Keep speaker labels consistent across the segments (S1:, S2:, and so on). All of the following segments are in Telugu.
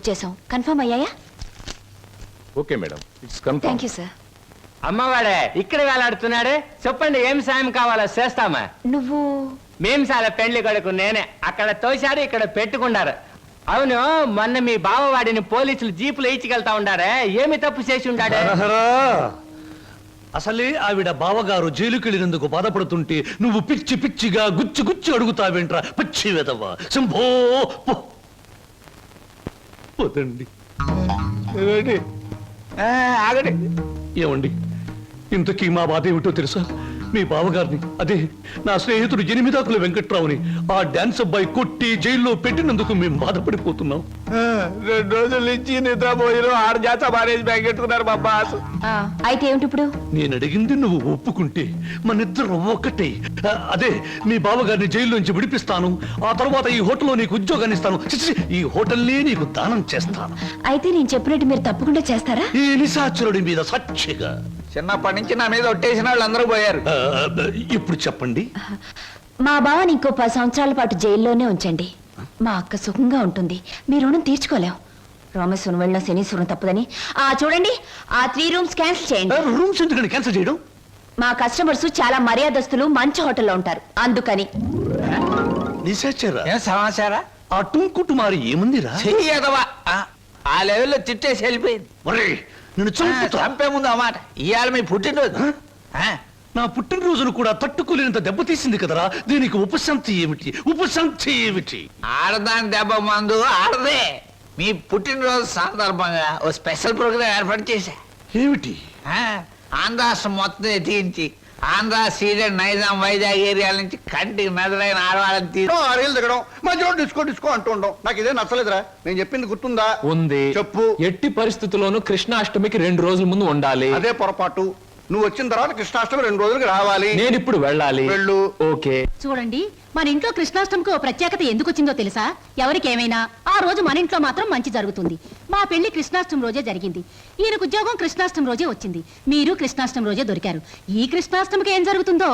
S1: బుక్ చేసాం. కన్ఫర్మ్ అయ్యాయా?
S2: Okay madam, it's confirm.
S1: Thank you sir.
S3: అమ్మవాడే ఇక్కడ వేలాడుతున్నాడు. చెప్పండి ఏం సాయం కావాలో చేస్తామా.
S1: నువ్వు
S3: మేము చాలా పెండ్లి కొడుకు నేనే. అక్కడ తోశారు, ఇక్కడ పెట్టుకున్నారు. అవును, మొన్న మీ బావవాడిని పోలీసులు జీపులు ఇచ్చికెళ్తా ఉండారే, ఏమి తప్పు చేసి ఉండాడే?
S4: అసలే ఆవిడ బావగారు జైలుకెళ్ళినందుకు బాధపడుతుంటే నువ్వు పిచ్చి పిచ్చిగా గుచ్చి గుచ్చి అడుగుతావేంట్రా పిచ్చి వెదవా. శంభో పోతండి.
S3: ఆగండి.
S4: ఏమండి, ఇంతకీ మా బాధ ఏమిటో తెలుసా? మీ బావగారిని, అదే నా స్నేహితుడు ఎనిమిదాకుల వెంకట్రావుని ఆ డాన్స్ అబ్బాయి కొట్టి జైల్లో పెట్టినందుకు మేము బాధపడిపోతున్నాం.
S3: 2 రోజుల నుంచి నిద్రపోయిన 6 జాత మారేజ్ బ్యాగ్ పెట్టుకున్నారు మా బాస్.
S1: అయితే ఏమిటి ఇప్పుడు?
S4: నేను అడిగింది నువ్వు ఒప్పుకుంటే మనిద్దరం ఒక్కటే. అదే మీ బావగారిని జైల్లోంచి విడిపిస్తాను. ఆ తర్వాత ఈ హోటల్లో నీకు ఉద్యోగాన్ని ఇస్తాను. ఈ హోటల్నే నీకు దానం చేస్తాను.
S1: అయితే నేను చెప్పినట్టు మీరు తప్పకుండా చేస్తారా?
S4: ఈ నిశాచరుడి మీద సాక్షిగా.
S3: చిన్నప్పటి నుంచి నా మీద ఒట్టేసిన వాళ్ళు అందరూ పోయారు.
S4: ఇప్పుడు చెప్పండి.
S1: మా బావని ఇంకో 10 సంవత్సరాల పాటు జైల్లోనే ఉంచండి. మా అక్క సుఖంగా ఉంటుంది. మీ రుణం తీర్చుకోలేం. రామేశ్వరం వెళ్ళిన శనీశ్వరం తప్పదని చూడండి, ఆ 3 రూమ్స్ క్యాన్సిల్ చేయండి.
S4: రూమ్స్ ఎందుకని క్యాన్సిల్ చేయడం?
S1: మా కస్టమర్స్ చాలా మర్యాదస్తులు, మంచి హోటల్లో ఉంటారు, అందుకని.
S4: నిశాచరా
S3: సమాచారా?
S4: ఆ టుంకుటుమారి ఏముందిరా?
S3: ఆ లెవెల్లో తిట్టేసి వెళ్ళిపోయింది.
S4: నేను
S3: చంపే ముందు ఆ మాట. ఇవాళ మీ పుట్టినరోజు.
S4: నా పుట్టినరోజును కూడా తట్టుకోలేనంత దెబ్బతీసింది కదరా. దీనికి ఉపశాంతి ఏమిటి? ఉపశాంతి ఏమిటి?
S3: ఆడదాని దెబ్బ మందు ఆడదే. మీ పుట్టినరోజు సందర్భంగా ఓ స్పెషల్ ప్రోగ్రాం ఏర్పాటు చేశా.
S4: ఏమిటి?
S3: ఆంధ్రాష్ట్రం మొత్తం ఎత్తించి ఆంధ్ర, సీడెడ్, నైజాం, వైజాగ్ ఏరియాల నుంచి కంటికి మెదలైన ఆడవాళ్ళని
S5: రీలు దిగడం, మధ్యలో డిస్కో డిస్కో అంటూ ఉండడం నాకు ఇదే నచ్చలేదురా. నేను చెప్పింది గుర్తుందా?
S2: ఉంది.
S5: చెప్పు.
S2: ఎట్టి పరిస్థితుల్లోనూ కృష్ణాష్టమికి 2 రోజుల ముందు ఉండాలి.
S5: అదే పొరపాటు. నువ్వు వచ్చిన తర్వాత కృష్ణాష్టమి 2 రోజులకి రావాలి.
S2: నేను ఇప్పుడు వెళ్ళాలి.
S5: వెళ్ళు.
S2: ఓకే.
S6: చూడండి, మన ఇంట్లో కృష్ణాష్టమికి ఓ ప్రత్యేకత ఎందుకు వచ్చిందో తెలుసా? ఎవరికేమైనా ఆ రోజు మన ఇంట్లో మాత్రం మంచి జరుగుతుంది. మా పెళ్లి కృష్ణాష్టమి రోజే జరిగింది. ఈయనకు ఉద్యోగం కృష్ణాష్టమి రోజే వచ్చింది. మీరు కృష్ణాష్టమి రోజే దొరికారు. ఈ కృష్ణాష్టమికి ఏం జరుగుతుందో?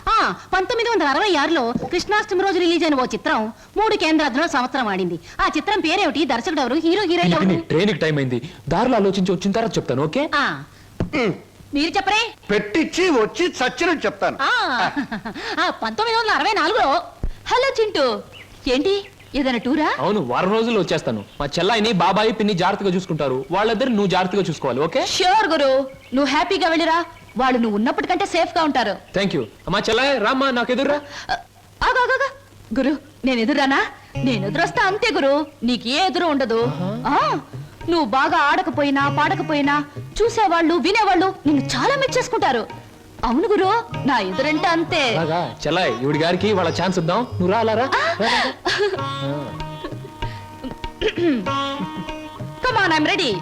S6: 1966లో కృష్ణాష్టమి రోజు రిలీజ్ అయిన ఓ చిత్రం 3 కేంద్రాల్లో సంవత్సరం ఆడింది. ఆ చిత్రం పేరేమిటి? దర్శకుడు ఎవరు? Hero heroine?
S2: ట్రైన్ టైం అయింది. దారిలో ఆలోచించి వచ్చిన తర్వాత చెప్తాను. ఓకే,
S6: మీరు చెప్పరే.
S5: పెట్టించి వచ్చి చచ్చినట్టు చెప్తాను.
S6: 1964లో. హలో చింటూ, ఏంటి ఏదైనా టూరా?
S2: అవును, వారం రోజుల్లో వచ్చేస్తాను. మా చెల్లాయిని, బాబాయి, పిన్ని జాగ్రత్తగా చూసుకుంటారు. వాళ్ళిద్దరు నువ్వు జాగ్రత్తగా చూసుకోవాలి. ఓకే?
S6: ష్యూర్ గురు, నువ్వు హ్యాపీగా వెళ్ళిరా. వాళ్ళు నువ్వు ఉన్నప్పటికంటే సేఫ్ గా ఉంటారు.
S2: Thank you. మా చెల్లాయి రామ్మా, నాకు ఎదురురా.
S6: గురు, నేను ఎదురానా? నేను ఎదురొస్తా అంతే గురు, నీకు ఏ ఎదురు ఉండదు. నువ్వు బాగా ఆడకపోయినా పాడకపోయినా చూసేవాళ్ళు, వినేవాళ్ళు నిన్ను చాలా మెచ్చేసుకుంటారు. అవును గురు, నా ఎదురంటే అంతే.
S2: చెల్లాయి, ఇవిడి గారికి వాళ్ళ ఛాన్స్ ఇద్దాం. నువ్వు రా, అలా రా.
S6: Come on, I'm ready.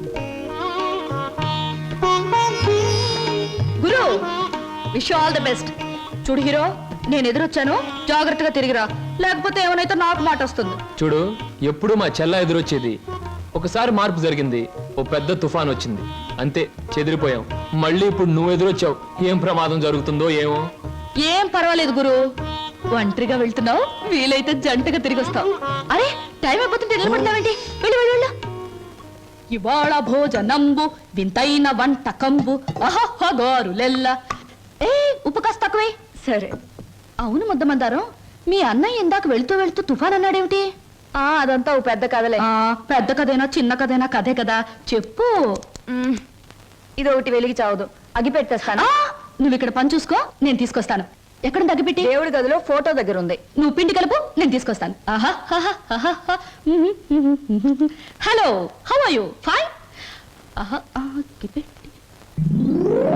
S6: గురు, wish you all the best. చూడు హీరో, నేను ఎదురొచ్చాను, జాగ్రత్తగా తిరిగిరా, లేకపోతే ఏమైనా నాకు మాట వస్తుంది.
S2: చూడు, ఎప్పుడు మా చెల్ల ఎదురొచ్చేది. ఒకసారి మార్పు జరిగింది, ఓ పెద్ద తుఫాన్ వచ్చింది, అంతే చెదిరిపోయాం. మళ్ళీ ఇప్పుడు నువ్వు ఎదురొచ్చావు. ఏం ప్రమాదం జరుగుతుందో ఏమో.
S6: ఏం పర్వాలేదు గురు, ఒంటరిగా వెళ్తున్నావు, వీలైతే జంటగా తిరిగి వస్తావు. అరే, టైం అయిపోతుంటే నిలబడతావేంటి? వెళ్ళు వెళ్ళు వెళ్ళు. ఇవాళ భోజనంబు వింతైన వంటకంబు అహహగారులెల్ల. ఉప్పు కాస్త తక్కువే. సరే. అవును ముద్దమందారం, మీ అన్నయ్య ఇందాక వెళ్తూ వెళ్తూ తుఫాన్ అన్నాడేమిటి?
S1: అదంతా ఓ పెద్ద కథలే.
S6: పెద్ద కథైనా చిన్న కథైనా కథే కదా, చెప్పు.
S1: ఇది ఒకటి వెలిగి చావదు, అగి పెట్టేస్తాను.
S6: నువ్వు ఇక్కడ పని చూసుకో, నేను తీసుకొస్తాను. ఎక్కడ తగ్గిపెట్టి?
S1: దేవుడి గదిలో ఫోటో దగ్గర ఉంది.
S6: నువ్వు పిండి కలుపు, నేను తీసుకొస్తాను. Hello, how are you? Fine.